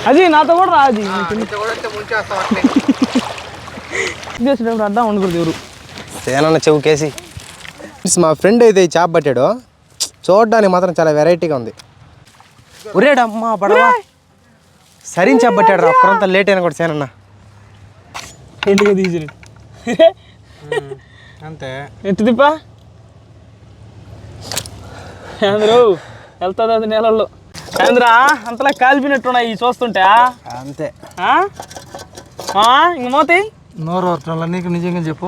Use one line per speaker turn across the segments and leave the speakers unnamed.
అది నాతో కూడా రా అది చేసేటప్పుడు అడ్డా ఉండకూడదు ఎవరు
సేనన్న చెవుకేసి. మా ఫ్రెండ్ అయితే చేప పట్టాడు, చూడడానికి మాత్రం చాలా వెరైటీగా ఉంది. ఉరేడమ్మా పడవా సరిని చేప పట్టాడు రా, ఒక్కరంతా లేట్ అయినా కూడా సేనన్న
ఇంటికి తీసి
అంతే.
ఎత్తు తిప్పా అందరూ వెళ్తుంది అది నెలల్లో చంద్ర అంతలా కాలిపినట్టున్నాయి చూస్తుంటే
అంతే.
ఇంక మోతాయి
నోరు వరటంలో నీకు నిజంగా చెప్పు.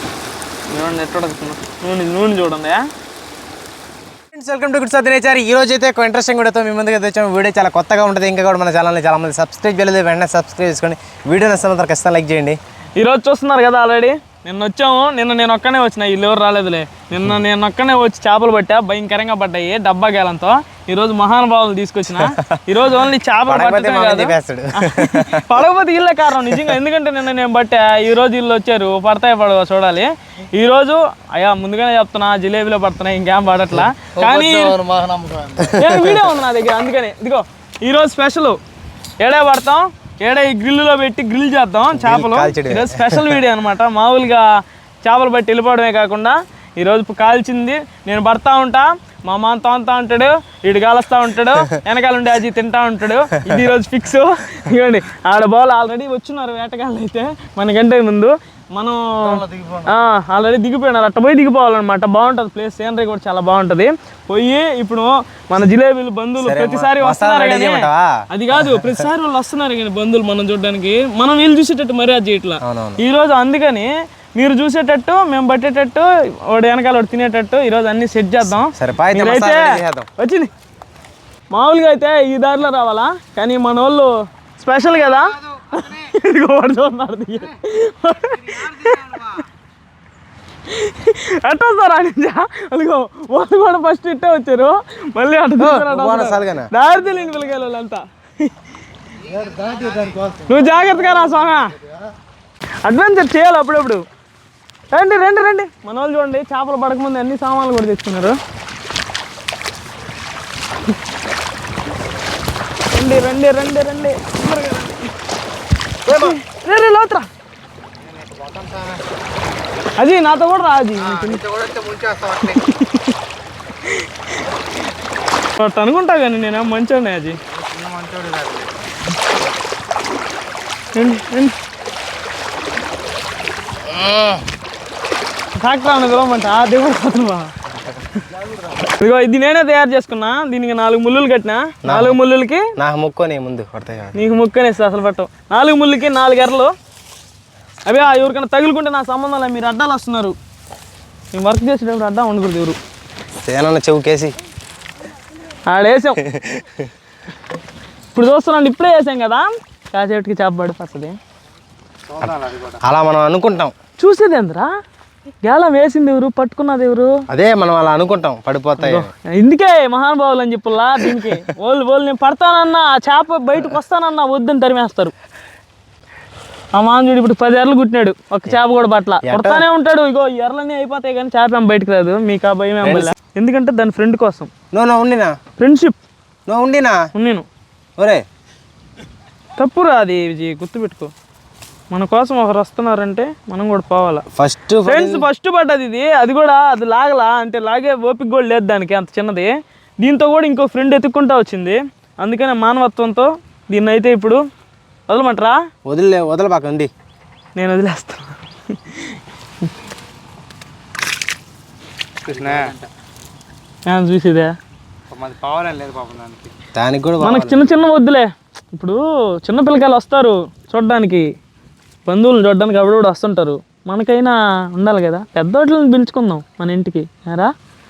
నూనె చూడండి.
Welcome to good nature. ఈ రోజు అయితే ఒక ఇంట్రెస్టింగ్ వీడియోతో మీ ముందుకు తెచ్చాము. వీడియో చాలా కొత్తగా ఉంటుంది. ఇంకా కూడా మన ఛానల్ని చాలా మంది సబ్స్క్రైబ్ చేయలేదు, వెంటనే సబ్స్క్రైబ్ చేసుకోండి. వీడియో నచ్చినంత ఖచ్చితంగా లైక్ చేయండి.
ఈరోజు చూస్తున్నారు కదా ఆల్రెడీ నిన్న వచ్చాము. నేను ఒక్కనే వచ్చిన, వీళ్ళు ఎవరు రాలేదులే. నేను ఒక్కనే వచ్చి చేపలు పట్టా, భయంకరంగా పడ్డాయి డబ్బా గేలంతో. ఈరోజు మహానుభావులు తీసుకొచ్చిన. ఈరోజు ఓన్లీ చేపలు పట్టడమే కాదు, పడకపోతే వీళ్ళే కారణం నిజంగా. ఎందుకంటే నిన్న నేను పట్టా, ఈరోజు వీళ్ళు వచ్చారు. పడతాయి పడవ చూడాలి. ఈరోజు అయ్యా ముందుగానే చెప్తున్నా, జిలేబీలో పడుతున్నాయి, ఇంకేం పడట్లా. కానీ వీడియో ఉంది నా దగ్గర, అందుకని ఇదిగో ఈరోజు స్పెషల్ ఏడే పడతాం, ఏడే ఈ గ్రిల్లులో పెట్టి గ్రిల్ చేద్దాం చేపలు. ఈరోజు స్పెషల్ వీడియో అనమాట. మామూలుగా చేపలు పట్టి వెళ్ళిపోవడమే కాకుండా ఈరోజు కాల్చింది నేను పడతా ఉంటా, మా మామ తోముతా ఉంటాడు, వీడు కాలుస్తూ ఉంటాడు, వెనకాల ఉండి అజీ తింటా ఉంటాడు. ఇది ఈరోజు ఫిక్స్. ఇవ్వండి ఆడ బాల్ ఆల్రెడీ వచ్చున్నారు వేటగాళ్ళు అయితే మనకంటే ముందు. మనం ఆల్రెడీ దిగిపోయినారు, అట్ట పోయి దిగిపోవాలన్నమాట. బాగుంటుంది ప్లేస్, సీనరీ కూడా చాలా బాగుంటుంది. పోయి ఇప్పుడు మన జిలేబీలు బంధువులు ప్రతిసారి వస్తున్నారు కానీ అది కాదు, ప్రతిసారి వాళ్ళు వస్తున్నారు కానీ బంధువులు మనం చూడడానికి, మనం వీళ్ళు చూసేటట్టు మరీ అది చేయట్లా ఈరోజు. అందుకని మీరు చూసేటట్టు, మేము పట్టేటట్టు, వాడు వెనకాల వాడు తినేటట్టు ఈరోజు అన్ని సెట్ చేద్దాం. అయితే వచ్చింది. మామూలుగా అయితే ఈ దారిలో రావాలా, కానీ మన వాళ్ళు స్పెషల్ కదా. అట్ట వస్తారా అదిగో వాళ్ళు కూడా ఫస్ట్ ఇట్టే వచ్చారు, మళ్ళీ అట్ట దారి తెలియని పిల్లకాయలు వాళ్ళంతా. నువ్వు జాగ్రత్తగా రా స్వామి, అడ్వెంచర్ చేయాలి అప్పుడప్పుడు. రండి రండి రండి, మన వాళ్ళు చూడండి చేపలు పడకముందు అన్ని సామాన్లు కూడా తెచ్చుకున్నారు. రండి రండి రండి రండి రే లోతురా. అది నాతో కూడా రా అది అనుకుంటా కానీ నేను మంచోడిని. అది రండి రండి, ట్రాక్టర్ అన్న పిలవమంట దిగుడు పోతున్నా. ఇదిగో ఇది నేనే తయారు చేసుకున్నా. దీనికి 4 ముళ్ళులు కట్టినా. 4 ముళ్ళులకి
నాకు ముక్కొని ముందు పడతాయి,
నీకు ముక్కనేస్తా అసలు పట్టవు. 4 ముళ్ళుకి 4 ఎర్రలు. అవి ఎవరికైనా తగులుకుంటే నా సంబంధం లేదు. మీరు అడ్డాలు వస్తున్నారు, మేము వర్క్ చేసేటప్పుడు అడ్డా ఉండకూడదు ఎవరు.
సేనన్న చెవుకేసి
ఆడేసాం. ఇప్పుడు చూస్తున్నాండి, ఇప్పుడే వేసాం కదా, కాసేపటికి చేప పడిపోతుంది.
అలా మనం అనుకుంటాం.
చూసేది ఎంతరా, గేలం వేసింది ఎవరు, పట్టుకున్నది ఎవరు, అదే
మనం అలా అనుకుంటాం పడిపోతాయి.
ఇందుకే మహానుభావులు అని చెప్పలా. దీనికి వాళ్ళు నేను పడతానన్నా, ఆ చేప బయటకు వస్తానన్నా వద్దని తరిమేస్తారు. ఆ మాంజుడు ఇప్పుడు 10 ఎర్రలు కుట్టినాడు, ఒక చేప కూడా పట్ల కొడతానే ఉంటాడు. ఇగో ఎర్రలన్నీ అయిపోతాయి కానీ చేప ఏం బయటకు రాదు. మీకు ఆ భయం ఏం వల్ల, ఎందుకంటే దాని ఫ్రెండ్ కోసం.
ఉండినా
ఫ్రెండ్షిప్
ఉండినా
నేను
ఒరే
తప్పురా అది విజయ్, గుర్తుపెట్టుకో. మన కోసం ఒకరు వస్తున్నారంటే మనం కూడా పోవాలా. ఫస్ట్ పడ్డది ఇది, అది కూడా అది లాగలా అంటే లాగే ఓపిక కూడా లేదు దానికి, అంత చిన్నది. దీంతో కూడా ఇంకో ఫ్రెండ్ ఎత్తుక్కుంటా వచ్చింది. అందుకనే మానవత్వంతో దీన్ని అయితే ఇప్పుడు వదలమంటారా?
వదలబాకండి,
నేను వదిలేస్తాను. చూసేదే
దానికి కూడా
మనకు చిన్న వద్దులే. ఇప్పుడు చిన్న పిల్లకాయలు వస్తారు చూడడానికి, బంధువులను చూడడానికి అప్పుడు వస్తుంటారు. మనకైనా ఉండాలి కదా, పెద్దోట్లని పిలుచుకుందాం మన ఇంటికి. రా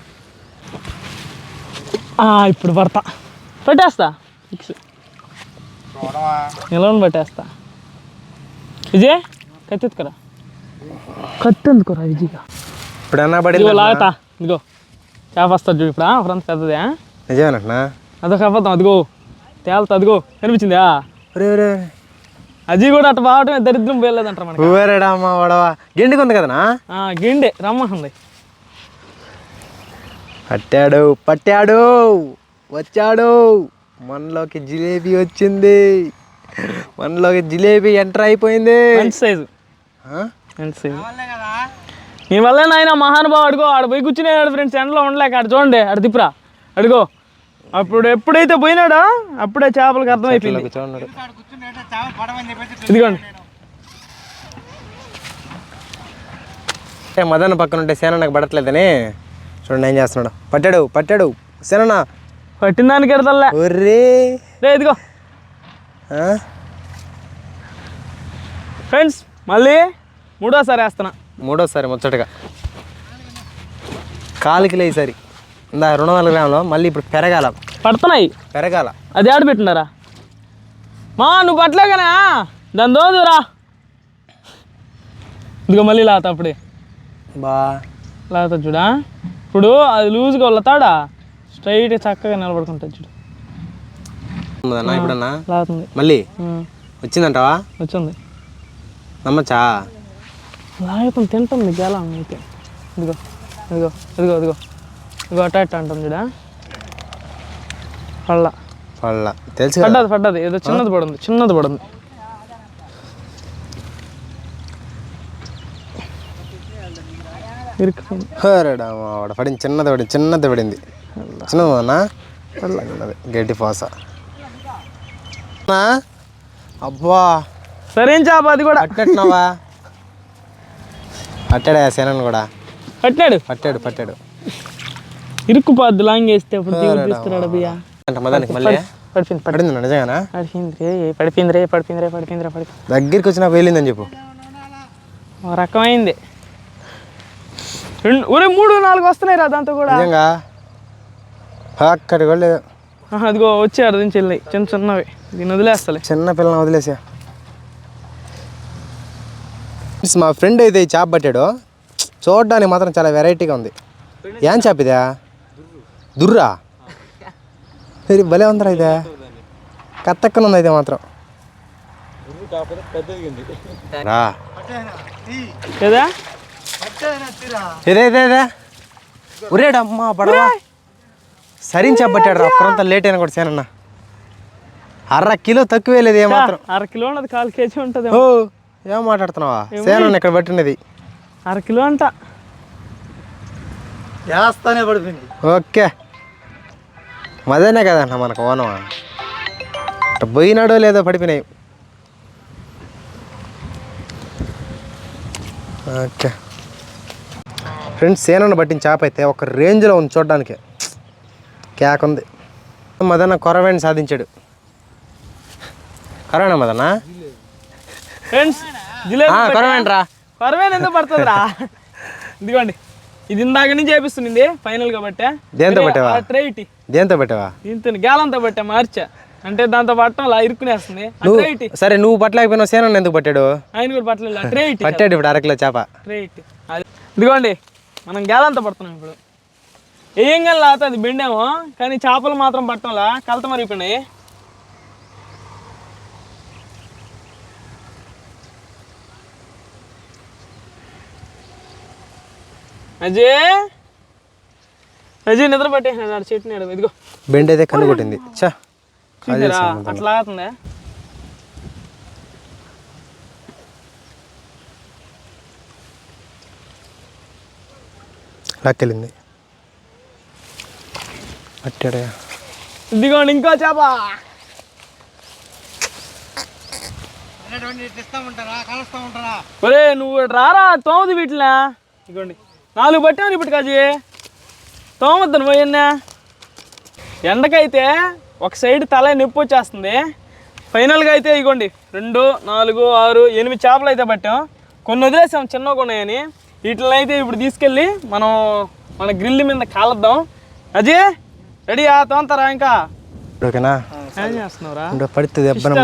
ఇప్పుడు పట్టేస్తా, ఫిక్స్ ఎలా పట్టేస్తా. విజయ్ కత్తెత్తుకురా, కత్తెందుకురా విజయ్గా.
ఇప్పుడన్నా
లాగతా, ఇదిగో చేప వస్తుంది చూడు. ఇప్పుడు ఫ్రంట్ పెద్దదే
నిజమేనా,
అదొక అబద్ధం. అదిగో తేలుతా, అదిగో కనిపించిందా. అది కూడా అట్ట బావటమే దరిద్రం పోయలేదంటారు మనకి.
గిండికి ఉంది కదనా,
గిండే రమ్మంది.
పట్టాడు వచ్చాడు, మనలోకి జిలేబీ వచ్చింది. మనలోకి జిలేబీ ఎంటర్ అయిపోయింది.
మంచి సైజు, మంచి సైజు. నీ వల్లే నాయన మహానుభావు. అడుగో ఆడ పోయి కూర్చునేవాడు ఫ్రెండ్స్, ఎండలో ఉండలేక. ఆడ చూడండి, ఆడ దిప్పురా, అడుగో. అప్పుడు ఎప్పుడైతే పోయినాడో అప్పుడే చేపలకి అర్థమైపోయింది.
చూడండి
ఇదిగోండి.
మదన్ పక్కన ఉంటే సేనన్నకు పడట్లేదని చూడండి ఏం చేస్తున్నాడు. పట్టాడు సేనన్న.
పట్టిన దానికి ఎడతలే.
ఒర్రే
రే ఇదిగో ఫ్రెండ్స్, మళ్ళీ మూడోసారి వేస్తున్నా.
మూడోసారి ముచ్చటగా కాలికి ఈసారి ఇందా 200 గ్రాములు. మళ్ళీ ఇప్పుడు
పడుతున్నాయి.
పెరగాల.
అది ఆడ పెట్టినారా మా? నువ్వు పట్టలేకనా? దాని దోదురా. ఇదిగో మళ్ళీ లాత. అప్పుడే లాత చూడా. ఇప్పుడు అది లూజ్గా వల్లతాడా, స్ట్రైట్ చక్కగా నిలబడుకుంటుంది చూడు.
ఇప్పుడన్నా
లాతుంది.
మళ్ళీ వచ్చిందంటావా?
వచ్చింది.
నమ్మచ్చా?
లాగుతుంది, తింటుంది గేలం అయితే. ఇదిగో ఇదిగో ఇదిగో ఇదిగో ఇదిగో అట్ట అంటుంది చూడా. పళ్ళ
తెలుసు.
పడ్డది ఏదో చిన్నది పడింది.
పడింది చిన్నది పడింది. చిన్నదన్నా గడ్డి పోస. అబ్బా
సరే చేప అది కూడా
పట్టేట్టున్నావా? పట్టాడా సేనని కూడా? పట్టాడు.
ఇరుక్కుపోద్దు లాంగ్ వేస్తే. అప్పుడు తీస్తున్నాడు బియ్య
అంటే మదానికి మళ్ళీ పడింది. నిజంగానా?
పడిపోయింది.
దగ్గరికి వచ్చి నాకు వెళ్ళిందని చెప్పు.
ఒక రకమైంది. 3-4 వస్తున్నాయి రా దాంతో కూడా.
నిజంగా అక్కడి కూడా లేదు.
అదిగో వచ్చారు నుంచి వెళ్ళి చిన్నవి. దీన్ని వదిలేస్తలే,
చిన్న పిల్లల్ని వదిలేసా. మా ఫ్రెండ్ అయితే ఈ చేప పట్టాడు. చూడడానికి మాత్రం చాలా వెరైటీగా ఉంది. ఏం చేప ఇదా? దుర్రా. భలే ఉందరా ఇదే. కత్తక్కన ఉంది అయితే మాత్రం. ఇదే ఉరేడమ్మా పడవా. సరిని చెప్పట్టాడు రా. ఒక్కరంతా లేట్ అయినా కూడా సేనన్న. 1/2 కిలో తక్కువే లేదు ఏమాత్రం.
1/2 కిలో ఉన్నది, 1/4 కేజీ ఉంటుంది.
ఓ ఏం మాట్లాడుతున్నావా? సేనన్న ఇక్కడ పట్టినది
1/2 కిలో అంట.
వేస్తానే పడిపోయింది. ఓకే మదేనే కదన్న మనకు ఓనం. పోయినాడో లేదో పడిపోయినాయి. ఓకే ఫ్రెండ్స్, సేనన్న పట్టిన చేప అయితే ఒక రేంజ్లో ఉంది చూడడానికి. కేక్ ఉంది. మదన్న కొరవేణి సాధించాడు. కొరవేనా మదన్న?
ఫ్రెండ్స్
కొరవేంట్రా.
కొరవేణ ఎందుకు పడుతుంది రా? ఇదిగోండి, ఇది ఇందాక నుంచి చేపిస్తుంది ఫైనల్ గా పట్టా.
దేంతో పట్టావా? దేంతో పట్టావా?
దీంతో గ్యాలంతో పట్టా. మార్చా అంటే దాంతో పట్టడం అలా ఇరుక్కునేస్తుంది.
సరే నువ్వు పట్టలేకపోయినా సేనన్న ఎందుకు పట్టాడు?
ఆయన కూడా పట్టలేదు.
పట్టాడు ఇప్పుడు 1/2 కిలో చేప.
ఇదిగోండి, మనం గ్యాలంతో పడుతున్నాం ఇప్పుడు. ఏం కానీ లాత అది బెండేమో, కానీ చేపలు మాత్రం పట్టడంలా కలత మరిగిపోయినాయి. అజయ్ నిద్ర పట్టేసినాడు చెట్టు. ఇదిగో
బెండ్ అయితే కన్ను కొట్టింది.
అట్లా అవుతుందా?
లాక్కెళ్ళింది. పట్టాడా?
ఇదిగోండి ఇంకో చేప. ఒరే నువ్వు రారా, తోమది వీటిలా. ఇదిగోండి 4 పట్టాను ఇప్పుడు. కాజీ తోమద్దు నువ్వు. ఎండకైతే ఒక సైడ్ తల నొప్పి వచ్చేస్తుంది. ఫైనల్గా అయితే ఇగోండి 2, 4, 6, 8 చేపలు అయితే పట్టాం. కొన్ని వదిలేసాం చిన్నగా ఉన్నాయని. వీటిని అయితే ఇప్పుడు తీసుకెళ్ళి మన గ్రిల్ మీద కాలద్దాం. అజయ్ రెడీ? తోంతారా ఇంకా?
ఓకేనా?
ఏం చేస్తున్నావురా?
పడితే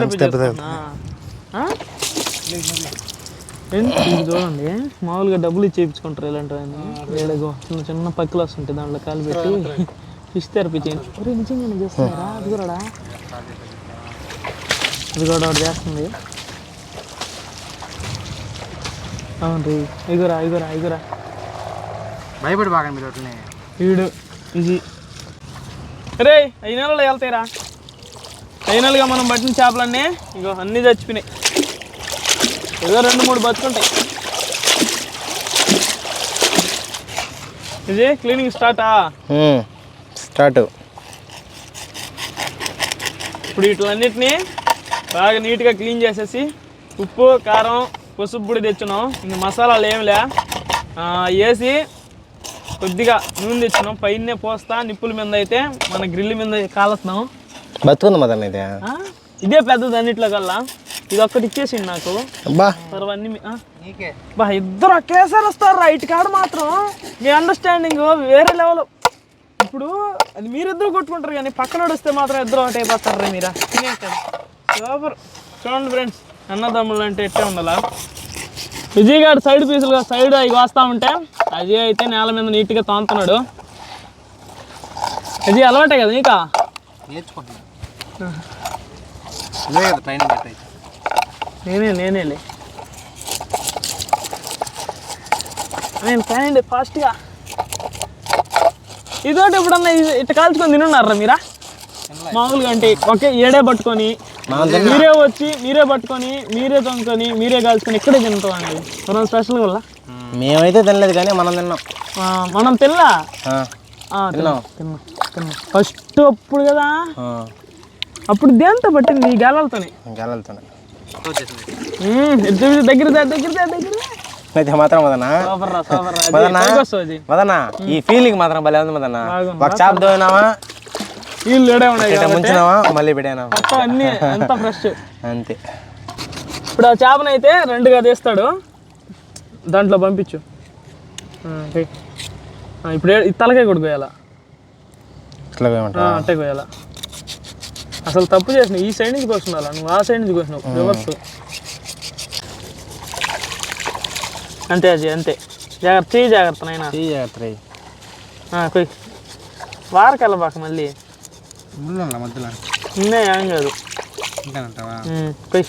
చూడండి, మామూలుగా డబ్బులు ఇచ్చి చేయించుకుంటారు ఇలాంటివన్నీ. ఏడగో చిన్న పక్కలు వస్తుంటాయి, దాంట్లో కాలు పెట్టి ఫిష్ థెరపీ చేయండి. నిజంగా చేస్తున్నారా? అది కూడా ఒకటి చేస్తుంది. అవును ఇగురా
భయపడి బాగా మీరు
వీడు ఇది. రే 5 నెలల్లో వెళ్తాయిరా. ఫైనల్గా మనం పట్టిన చేపలన్నీ ఇగో అన్నీ చచ్చిపోయినాయి. ఏదో 2-3 బతుకుంటాయి. ఇది క్లీనింగ్ స్టార్టా?
స్టార్ట్.
ఇప్పుడు వీటిలన్నిటినీ బాగా నీట్గా క్లీన్ చేసేసి ఉప్పు కారం పసుపు పొడి తెచ్చున్నాం. ఇంక మసాలాలు ఏమిలే వేసి కొద్దిగా నూనె తెచ్చున్నాం. పైనే పోస్తా నిప్పుల మీద అయితే మన గ్రిల్ మీద కాలుస్తున్నాం.
బతుకుంది మదన్న ఇది.
ఇదే పెద్దది అన్నిట్లో కల్లా. ఇది ఒక్కటి ఇచ్చేసింది నాకు. అన్నీ బా ఇద్దరు ఒకేసారి వస్తారు రైట్ కాడ మాత్రం. మీ అండర్స్టాండింగ్ వేరే లెవెల్. ఇప్పుడు అది మీరిద్దరు కొట్టుకుంటారు కానీ పక్కన వస్తే మాత్రం ఇద్దరు ఒకటి అయిపోతారు. మీరా సూపర్. చూడండి ఫ్రెండ్స్, అన్నదమ్ములు అంటే ఎట్టే ఉండాలా. విజయ్ గారు సైడ్ పీసులుగా సైడ్ అవి వస్తూ ఉంటే అజయ్ అయితే నేల మీద నీట్గా తోముతున్నాడు. అజయ్ అలవాటే కదా నీకా? నేనేలే నేను కానీ ఫాస్ట్గా ఇదోటి ఎప్పుడన్నా ఇట్లా కాల్చుకొని తినున్నారా మీరా? మామూలుగా అంటే ఒకే ఏడే పట్టుకొని మీరే వచ్చి మీరే పట్టుకొని మీరే తొంకొని మీరే కాల్చుకొని ఇక్కడే తింటాం అండి. మనం స్పెషల్ వల్ల
మేమైతే తినలేదు కానీ మనం తిన్నాం.
మనం తిన్నా తిన్నాం ఫస్ట్ అప్పుడు కదా. అప్పుడు దేంతో పట్టింది? ఈ గాలాలతోనే. దగ్గర
అయితే మాత్రం మదన్నా ఈ ఫీలింగ్ మాత్రం భలే ఉంది మదన్న. ఒక చేప దోయినావా,
నీళ్ళు ఏడే ఉన్నాయి,
ముంచినావా, మళ్ళీ పెట్టానా,
అన్ని అంతా ఫ్రెష్
అంతే.
ఇప్పుడు ఆ చేపనైతే 2గా తీస్తాడు, దాంట్లో పంపించు. ఇప్పుడు తలకాయ కూడా కోయాలా? అట్టే కోయాలా? అసలు తప్పు చేసిన ఈ సైడ్ నుంచి కోసుకున్నా, నువ్వు ఆ సైడ్ నుంచి కోసినావు రివర్స్. అంతే అది అంతే. జాగ్రత్త జాగ్రత్త నైనా కొయ్. వారకెళ్ళబాక మళ్ళీ
మధ్యలో
ఏం కాదు. కొయ్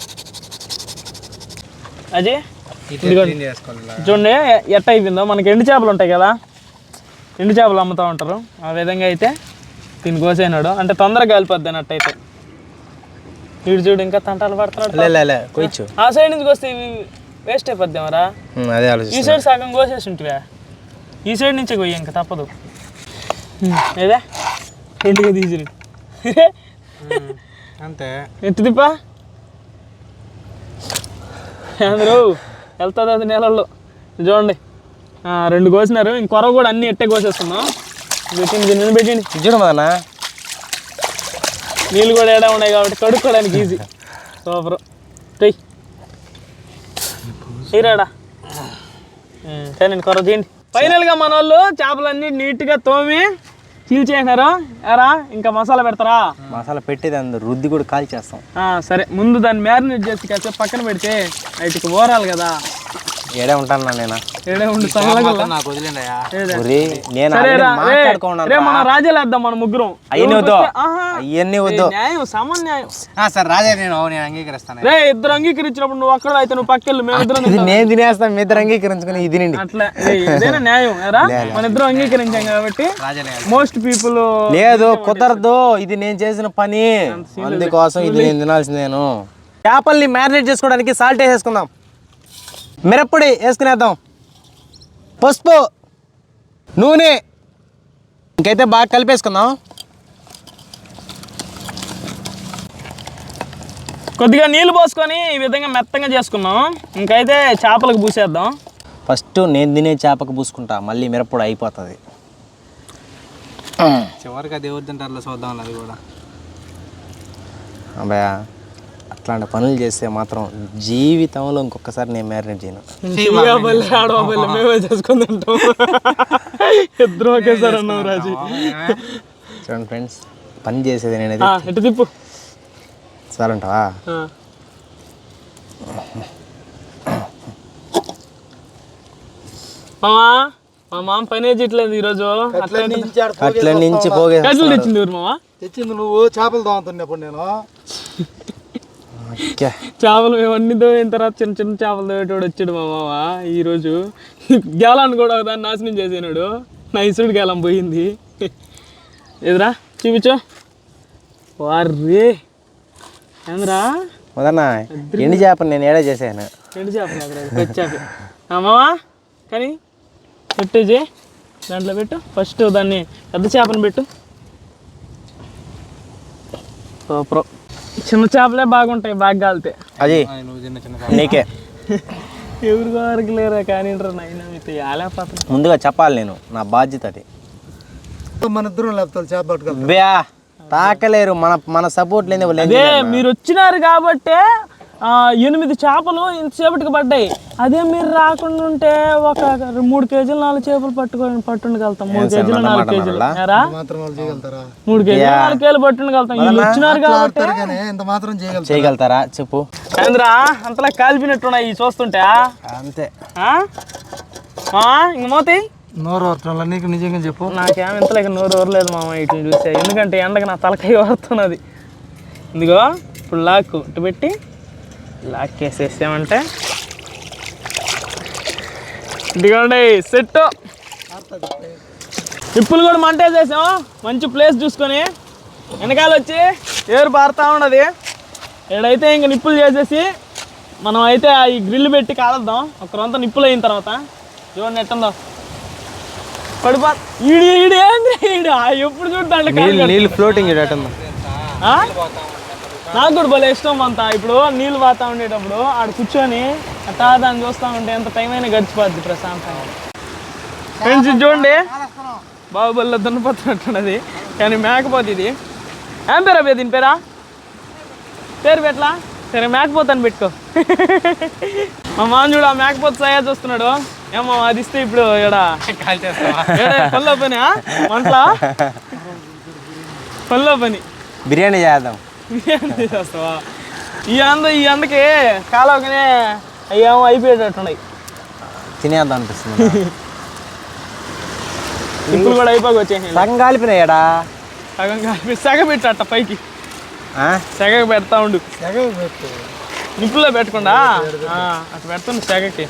అది చూడండి ఎట్ట అయిపోయిందో. మనకి ఎండు చేపలు ఉంటాయి కదా, ఎండు చేపలు అమ్ముతూ ఉంటారు. ఆ విధంగా అయితే దీన్ని కోసేనాడు అంటే తొందరగా కాలిపోద్ది అన్నట్టయితే. వీడు చూడు ఇంకా తంటాలు పడుతున్నాడు. ఆ సైడ్ నుంచి కోస్తే వేస్ట్ అయిపోద్దామరా. ఈ సైడ్ సగం కోసేసి ఉంటివా, ఈ సైడ్ నుంచే కొయ్యి ఇంకా తప్పదు. ఏదే రెండుగా తీసిరు
అంతే.
ఎత్తు తిప్పా అందరూ వెళ్తుంది అది నెలల్లో. చూడండి 2 కోసినారు. ఇంకొర కూడా అన్ని ఎట్టే కోసేస్తున్నాం. పెట్టింది నిన్ను పెట్టింది
చూడమదన్నా.
నీళ్ళు కూడా ఏడా ఉన్నాయి కాబట్టి కడుక్కోవడానికి ఈజీ. సూపర్. తీరాడా కానీ కొర చేయండి. ఫైనల్గా మన వాళ్ళు చేపలన్నీ నీట్గా తోమి చీల్చేసినారు. ఎరా ఇంకా మసాలా పెడతారా?
మసాలా పెట్టేది అందరు రుద్ది కూడా కాల్ చేస్తాం.
సరే ముందు దాన్ని మ్యారినేట్ చేసి కాసేపు పక్కన పెడితే వాటికి ఓరాలి కదా.
ఏడే ఉంటాను నేను.
ఏడే ఉండి
నాకు
మన రాజేలేద్దాం మన ముగ్గురం.
అవన్నీ వద్దు.
న్యాయం సమన్యాయం.
సరే రాజా నేను అంగీకరిస్తాను.
రే ఇద్దరు అంగీకరించినప్పుడు నువ్వు అక్కడ అయితే నువ్వు పక్కెళ్ళు, మేము ఇద్దరం
నేను తినేస్తాను. మీ ఇద్దరు అంగీకరించుకుని ఇది
అట్లా ఏదైనా న్యాయం ఎరా. మన ఇద్దరం అంగీకరించాం కాబట్టి మోస్ట్ పీపుల్
లేదు కుదరదు. ఇది నేను చేసిన పని, అందుకోసం ఇది నేను తినాల్సిందేను. చేపల్ని మ్యారినేట్ చేసుకోవడానికి సాల్ట్ వేసేసుకుందాం, మిరప్పొడి వేసుకునేద్దాం, పసుపు, నూనె, ఇంకైతే బాగా కలిపేసుకుందాం.
కొద్దిగా నీళ్ళు పోసుకొని ఈ విధంగా మెత్తంగా చేసుకున్నాం. ఇంకైతే చేపలకు పూసేద్దాం.
ఫస్ట్ నేను తినే చేపకు పూసుకుంటా, మళ్ళీ మిరప్పొడి అయిపోతుంది. చివరికి అది ఎవరు తింటారు చూద్దాం. అది కూడా అబ్బాయా అట్లాంటి పనులు చేస్తే మాత్రం జీవితంలో ఇంకొకసారి నేను మ్యారినేట్ చేయను.
మేమే చేసుకుని తింటాం. ఇద్దరు ఒకేసారి అన్నాం రాజీ.
చూడండి ఫ్రెండ్స్, పని చేసేది నేనైతే.
ఎటు తిప్పు
సరే అంటావా?
మామా మా మామ పని చేయట్లేదు ఈరోజు.
అట్ల నుంచి పోగే
తెచ్చింది మామా.
తెచ్చింది నువ్వు చేపలు తోముతున్నప్పుడు నేను
చేపలు ఇవన్నీ తోయిన తర్వాత చిన్న చిన్న చేపలు తోయేటోడు వచ్చాడు మా మామ. ఈరోజు గేలాన్ని కూడా దాన్ని నాశనం చేసినాడు. నైసుడు గేలం పోయింది. ఎదురా చూపించు. వారే ఏంద్రా
మొదన్నా ఎండి చేపను నేను ఏడా చేశాను.
ఎండు చేపలు పెచ్చాక మావా కానీ పెట్టేజే దాంట్లో పెట్టు. ఫస్ట్ దాన్ని పెద్ద చేపను పెట్టు. సూపర్. చిన్న చేపలే బాగుంటాయి బాగా కాలితే.
అది నీకే
ఎవరి వరకు లేరా కానీ నైనా మీతో ఆలేకపోతున్నా.
ముందుగా చెప్పాలి, నేను నా బాధ్యత అది.
మన ఇద్దరం లేపుతారు చేప పట్టుకెళ్తాం.
బ్యా తాకలేరు, మన సపోర్ట్ లేదు.
అదే మీరు వచ్చినారు కాబట్టే 8 చేపలు ఇంతసేపటికి పడ్డాయి. అదే మీరు రాకుండా ఉంటే ఒక 3 కేజీలు 4 చేపలు పట్టుండగలుగుతాం. 3 కేజీలు 4 కేజీలు 3 కేజీలు 4 కేజీలు పట్టుండగలుగుతాం. వీళ్ళు వచ్చినారు కాబట్టి
ఇంత మాత్రం
చేయగలుగుతారా చెప్పు.
ఏంద్రా అంతలా కాలిపినట్టున్నాయి చూస్తుంటే.
అంతే
ఇంక మోతి
నోరు వరటంలా నీకు నిజంగా చెప్పు.
నాకేం ఇంతలేక నోరు ఊరలేదు మామ ఇట్లా చూస్తే. ఎందుకంటే ఎండకి నా తలకాయ వరుతున్నది. ఇదిగో ఇప్పుడు లాక్కు ఇటు పెట్టి లాక్కేసేసామంటే ఇదిగోండి సెట్. నిప్పులు కూడా మంటేసేసాం మంచి ప్లేస్ చూసుకొని. వెనకాల వచ్చి ఏరు పారుతూ ఉన్నది. ఏడైతే ఇంక నిప్పులు చేసేసి మనం అయితే ఈ గ్రిల్ పెట్టి కాలుద్దాం. ఒకరంతా నిప్పులు అయిన తర్వాత చూడండి ఎట్టుందో పడిపో. ఈడు ఏంది ఎప్పుడు చూడండి
నీళ్ళు ఫ్లోటింగ్
నాకు కూడా భలే ఇష్టం అంతా. ఇప్పుడు నీళ్ళు పోతా ఉండేటప్పుడు ఆడ కూర్చొని అట్టా దాన్ని చూస్తూ ఉంటే ఎంత టైం అయినా గడిచిపోద్ది ప్రశాంతంగా. ఫ్రెండ్స్ చూడండి బాహుబలిలో దున్నపోతున్నట్టున్నది కానీ మేకపోతే ఇది. ఏం పేరు అబ్బాయి దీని పేరా? పేరు పెట్టలా? సరే మేకపోతాను పెట్టుకో. మా మామ చూడు ఆ మేకపోతే సయా చూస్తున్నాడు. ఏమో అది ఇస్తే ఇప్పుడు పనిలో పని వంటలా పనిలో పని
బిర్యానీ చేద్దాం.
బిర్యానీ చేస్తావా? ఈ అందకి కాలవకనే అయ్యేమో అయిపోయేటట్టున్నాయి.
తినేద్దాం అనిపిస్తుంది.
ఇప్పుడు కూడా అయిపోయి వచ్చేసి
సగం కాలిపోయినాయడా?
సగం కలిపి సెగ పెట్టు అట్ట పైకి సెగ పెడతా ఉండు. నిప్పుల్లో పెట్టకుండా అట్లా పెడుతుండు సెగకి.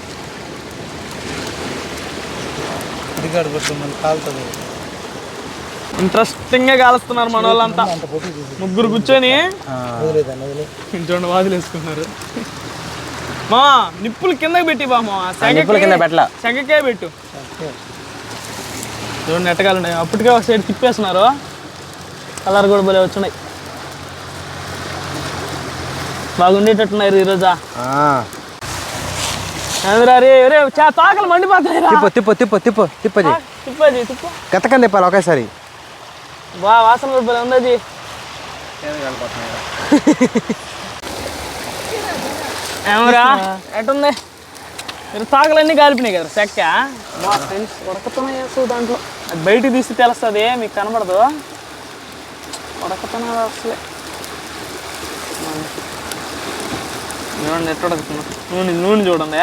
ఇంట్రెస్టింగ్గా కాలుస్తున్నారు మన వాళ్ళంతా. ముగ్గురు కూర్చొని చూడండి వాదులు వేసుకున్నారు. మా నిప్పులు కిందకి పెట్టి బామా సెగకే పెట్టు. చూడండి ఎట్టగాలున్నాయి. అప్పటికే ఒక సైడ్ తిప్పేస్తున్నారు. కలర్ కూడా భలే వచ్చినాయి. బాగుండేటట్టున్నారు ఈరోజా. తాకలు మండిపోతాయి. తిప్పది
గతకని తిప్పాలి ఒకేసారి.
బా వాసన కూడా భలే ఉంది. ఏమరా ఎట్టుంది? మీరు తాకలన్నీ కాలిపినాయి కదా చెక్క. మా ఫ్రెండ్స్ ఉడకతనం చేస్తావు దాంట్లో. అది బయటికి తీసి తెలుస్తుంది, మీకు కనబడదు. ఉడకతనం అసలే చూడండి ఎట్ట ఉడకుతున్నా. నూనె చూడండి.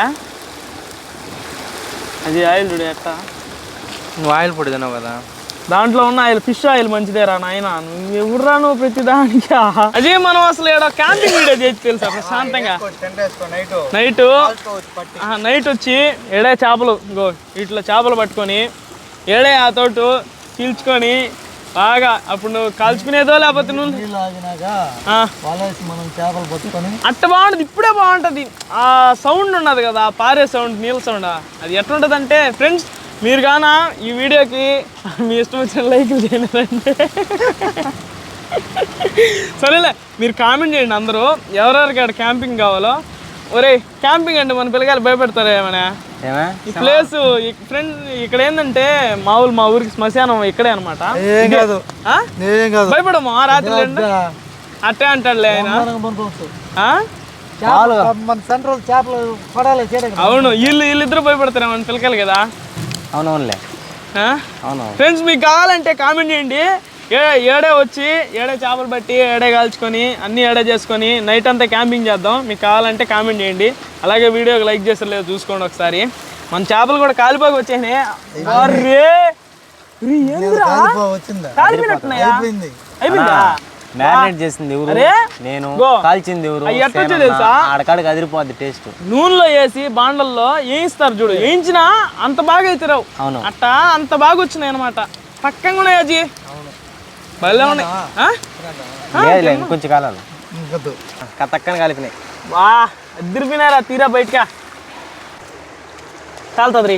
అది ఆయిల్ చూడు ఎట్ట.
నువ్వు ఆయిల్ పొడి తిన్నావు కదా,
దాంట్లో ఉన్న ఆయిల్ ఫిష్ ఆయిల్ మంచిదేరా నాయన. నువ్వు ఎవరురా నువ్వు ప్రతి దానికి. అదే మనం అసలు ఏడో క్యాంపింగ్ వీడియో చేసి తెలుసా ప్రశాంతంగా. నైట్ వచ్చి ఏడే చేపలు ఇట్లా చేపలు పట్టుకొని ఏడే ఆ తోటు చీల్చుకొని బాగా అప్పుడు నువ్వు కాల్చుకునేదో లేకపోతే నువ్వు అట్ట బాగుంటుంది. ఇప్పుడే బాగుంటుంది. ఆ సౌండ్ ఉన్నది కదా, పారే సౌండ్, నీళ్ళ సౌండ్, అది ఎట్లుంటుంది అంటే ఫ్రెండ్స్ మీరు కానా ఈ వీడియోకి మీ ఇష్టం వచ్చిన లైక్లు చేయలేదంటే సరేలే మీరు కామెంట్ చేయండి అందరూ ఎవరెవరికి అక్కడ క్యాంపింగ్ కావాలో. ఒరే క్యాంపింగ్ అంటే మన పిల్లగాలు భయపెడతారు ఏమైనా. ఈ ప్లేస్ ఫ్రెండ్ ఇక్కడ ఏంటంటే మా ఊరికి శ్మశానం ఇక్కడే అనమాట. భయపడము రాత్రి అట్టే అంటాడులే ఆయన. అవును వీళ్ళిద్దరు భయపడతారు మన పిల్లకాయలు కదా.
అవునవునులే.
ఫ్రెండ్స్ మీకు కావాలంటే కామెంట్ చేయండి. ఏడే వచ్చి ఏడే చేపలు పట్టి ఏడే కాల్చుకొని అన్నీ ఏడే చేసుకొని నైట్ అంతా క్యాంపింగ్ చేద్దాం. మీకు కావాలంటే కామెంట్ చేయండి. అలాగే వీడియోకి లైక్ చేస్తారు లేదు చూసుకోండి ఒకసారి. మన చేపలు కూడా కాలిపోయి వచ్చాయి.
మ్యారినేట్ చేసింది ఎవరు? నేను. కాల్చింది ఎవరు? ఆడకాడికి అదిరిపోద్ది టేస్ట్.
నూనెలో వేసి బాండల్లో వేయిస్తారు చూడు, వేయించినా అంత బాగా అవుతారు.
అవును
అట్టా అంత బాగా వచ్చినాయి అనమాట. పక్కన కూడా అజీ భలే ఉన్నాయి
లేదు ఇంకొంచెం కాలాలు
ఇంకొద్దు
కతక్కని కలిపినాయి.
వా అద్దరిపోయినారా తీరా బయటకా చాలుతుంది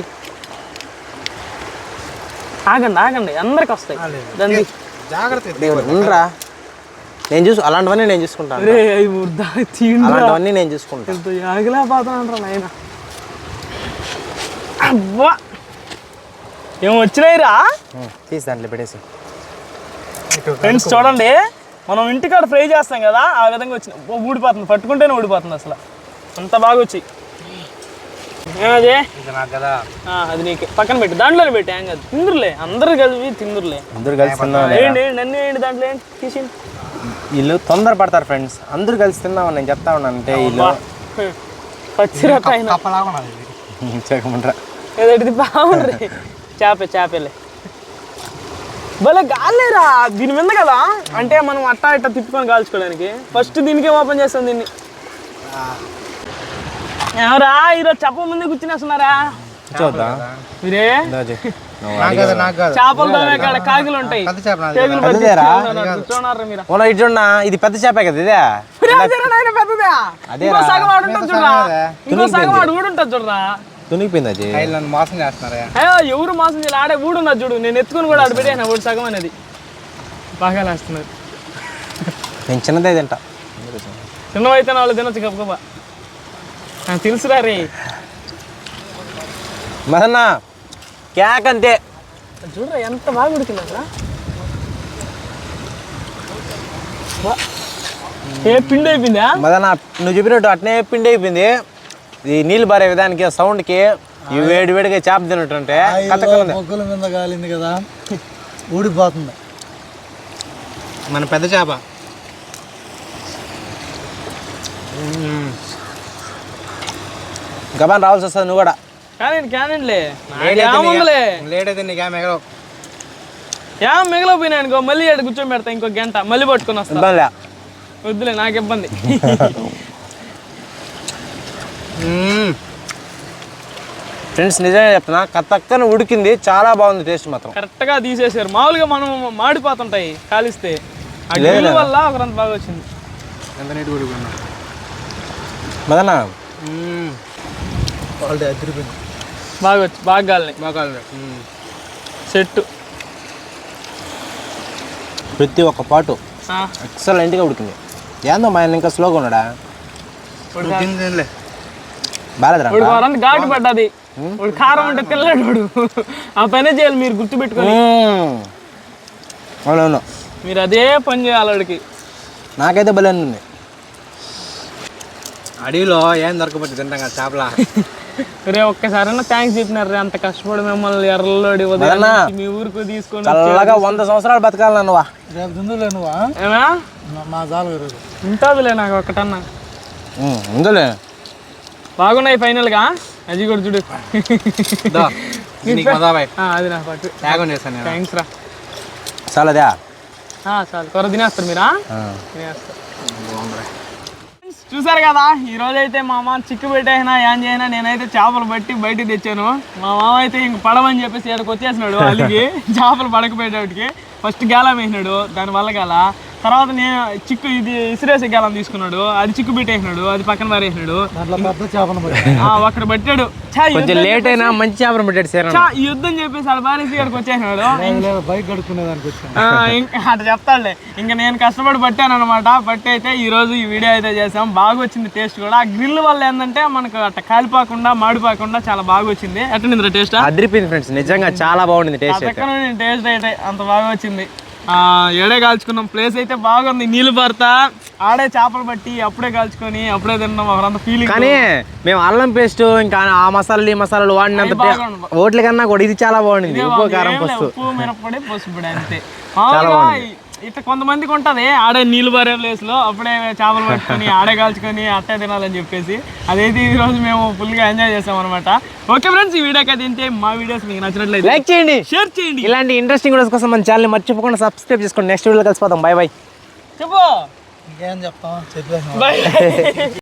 ఆగండి అందరికి వస్తాయి దండి
జాగ్రత్త
ఉండరా నేను అలాంటివన్నీ నేను చూసుకుంటాను.
రే అవి ముద్దా తీండ్రా
అలాంటివన్నీ నేను చూసుకుంటాను.
ఎంత ఆగలేకపోతానంటారా నాయన అబ్బా ఏం వచ్చినాయిరా
తీసి దాంట్లో పెట్టేసి.
ఫ్రెండ్స్ చూడండి మనం ఇంటికాడ ఫ్రై చేస్తాం కదా ఆ విధంగా వచ్చిన ఊడిపోతుంది పట్టుకుంటేనే ఊడిపోతుంది అసలు అంత బాగా వచ్చాయి. ఏమది అది నీకు పక్కన పెట్టి దాంట్లోనే పెట్టి ఏం కాదు తిందురులే అందరూ కలిపి తిందురులే
అందరూ కలిసి తిన్నాం.
ఏంటి నన్ను ఏంటి దాంట్లో ఏంటి తీసి
వీళ్ళు తొందర పడతారు ఫ్రెండ్స్. అందరూ కలిసి తిందామని నేను చెప్తా ఉన్నాను. అంటే వీళ్ళు
పచ్చిరత అయినా
చేయమంటారా
ఏదైతే బాగుండ్రి చేపలే భలే గాలేరా దీని మీద కదా అంటే మనం అట్టా ఇట్టా తిప్పుకొని కాల్చుకోవడానికి ఫస్ట్ దీనికే ఓపెన్ చేస్తాం దీన్ని. ఎవరా ఈరోజు చెప్ప ముందే కూర్చునేస్తున్నారా
చూద్దా
మీరే
నాకు కాదు
చేపలు తోమే కాడ కాకులు ఉంటాయి
పెద్ద చేప నాది.
కేకులు పట్టి కూర్చోన్నారా మీరు
ఓలా ఇటు చూడన్నా ఇది పెద్ద చేపే కదా ఇదే.
పెద్దదా ఇంకో సగం వాడు ఉంటుంది చూడరా ఇంకో సగం వాడు ఊడుంటుంది చూడరా
తునిగిపోయింది అది.
నన్ను మోసం చేస్తున్నారా
అయ్యో ఎవరు మోసం చేయాలి ఆడే ఊడున్నది చూడు నేను ఎత్తుకుని కూడా ఆడ పెట్టాను ఊడు సగం అనేది బాగా లేస్తున్నారు.
నేను చిన్నదే తింటా.
చిన్నవైతే వాళ్ళు తినొచ్చు గబగబా తెలుసురా రే
మదన్న క్యాక్ అంతే.
చూడరా ఎంత బాగా ఉడికింది అసలు ఏ పిండి అయిపోయిందా
మదన్న నువ్వు చెప్పినట్టు అట్నే పిండి అయిపోయింది. ఈ నీళ్ళు బారే విధానికి సౌండ్కి ఈ వేడిగా చేప తిన్నట్టుంటే
మొగ్గుల మీద కాలింది కదా ఊడిపోతుంది. మన పెద్ద చేప
గబాన్ రావాల్సి వస్తుంది నువ్వు కూడా.
క్యానండిలే ఏముందిలే
లేట్ అయితే నీకు ఏం ఎగరవు.
ఏం మిగిలిపోయినా అనుకో మళ్ళీ ఇక్కడ కూర్చొని పెడతా ఇంకో గంట మళ్ళీ పట్టుకొని వస్తా
ఇబ్బందిలే.
వద్దులే నాకు ఇబ్బంది.
ఫ్రెండ్స్ నిజంగా చెప్తున్నా కత్తక్కన ఉడికింది చాలా బాగుంది టేస్ట్ మాత్రం.
కరెక్ట్గా తీసేసారు మామూలుగా మనం మాడిపోతుంటాయి కాలిస్తే ఆ గ్రిల్ వల్ల ఒకరంత బాగా వచ్చింది.
ఎంత నీట్గా ఉడిపోయినా
మదన్న
క్వాలిటీ అదిరిపోయింది.
బాగా గాలిని సెట్టు
ప్రతి ఒక్క పాటు ఎక్సలెంట్గా ఉడికింది. ఏందో మా ఆయన ఇంకా స్లోగా ఉన్నాడా బాలేదురా.
ఘాటు పడ్డది వాడు కారం అంటే తినలేడు వాడు ఆ పనే చేయాలి మీరు గుర్తుపెట్టుకొని.
అవునవును
మీరు అదే పని చేయాలి వాడికి.
నాకైతే భలే ఉంది.
అడవిలో ఏం దొరకపోతే తింటాం కదా చేపల.
రే ఒక్కసారైనా థ్యాంక్స్ చెప్పినారు రే అంత కష్టపడి మిమ్మల్ని ఎర్రలోడి మీ ఊరికి తీసుకొని
చల్లగా 100 సంవత్సరాలు బతకాలి నువ్వా.
రేపు తిందులే నువ్వా
ఏమా
మా జాలు ఈరోజు
ఉంటుందిలే నాకు ఒక్కటన్నా
ఉందిలే.
బాగున్నాయి ఫైనల్గా అది కూడా చూడు అది నా పట్టు థ్యాంక్స్ రా
చాలదా
చాలు త్వర తినేస్తారు మీరా తినేస్తారు. చూసారు కదా ఈ రోజు అయితే మా మామ చిక్కు పెట్టైనా ఏం చేయనా నేనైతే చేపలు బట్టి బయటికి తెచ్చాను. మా మామ అయితే ఇంక పడవని చెప్పేసి ఇక్కడికి వచ్చేసినాడు అలిగి చేపలు పడకపోయేటప్పటికి ఫస్ట్ గేలం వేసినాడు దానివల్ల గల తర్వాత నేను చిక్కు ఇది ఇసిరేసే గేలం తీసుకున్నాడు అది చిక్కు పెట్టేసినాడు అది పక్కన పారేసినాడు అక్కడ పట్టాడు.
కొంచెం లేట్ అయినా మంచి చేపలు పెట్టాడు సార్.
ఈ యుద్ధం చెప్పేసి ఆడ పారేసి ఇక్కడికి వచ్చేసినాడు.
బైక్ కడుక్కునేదానికి వచ్చాను
అట్లా చెప్తాడులే ఇంకా నేను కష్టపడి పట్టాను అనమాట. పట్టి అయితే ఈ రోజు ఈ వీడియో అయితే చేసాం బాగా వచ్చింది టేస్ట్ కూడా. ఆ గ్రిల్ వల్ల ఏంటంటే మనకు అట్లా కాలిపోకుండా మాడిపోకుండా చాలా బాగా వచ్చింది. ఎట్లా టేస్ట్
అదిరిపోయింది ఫ్రెండ్స్ నిజంగా చాలా బాగుంది టేస్ట్.
టేస్ట్ అయితే అంత బాగా వచ్చింది. ఏడే కాల్చుకున్నాం ప్లేస్ అయితే బాగుంది నీళ్ళు పడతా ఆడే చేపలు పట్టి అప్పుడే కాల్చుకొని అప్పుడే తిన్నాం ఒకరంత ఫీలింగ్.
కానీ మేము అల్లం పేస్ట్ ఇంకా ఆ మసాలాలు ఈ మసాలాలు వాడినంత ఓట్ల కన్నా కూడా ఇది చాలా బాగుంది. ఉప్పు కారం పసుపు
ఉప్పు మిరప్పొడి పసుపు అంతే. మామూలుగా ఇట్లా కొంతమందికి ఉంటుంది ఆడే నీళ్ళు పారే ప్లేస్ లో అప్పుడే చేపలు పట్టుకొని ఆడే కాల్చుకొని అట్టే తినాలని చెప్పేసి అదైతే ఈ రోజు మేము ఫుల్గా ఎంజాయ్ చేసాం అనమాట. ఓకే ఫ్రెండ్స్ ఈ వీడియోకి అయితే ఇంతే. మా వీడియోస్ మీకు నచ్చినట్లయితే
లైక్ చేయండి
షేర్ చేయండి.
ఇలాంటి ఇంట్రెస్టింగ్ వీడియోస్ కోసం మన ఛానల్ మర్చిపోకుండా సబ్స్క్రైబ్ చేసుకోండి. నెక్స్ట్ వీడియోలో కలిసిపోతాం. Bye bye.
చెప్పు
ఇంకేం చెప్తాం చెప్పేసి
బాయ్.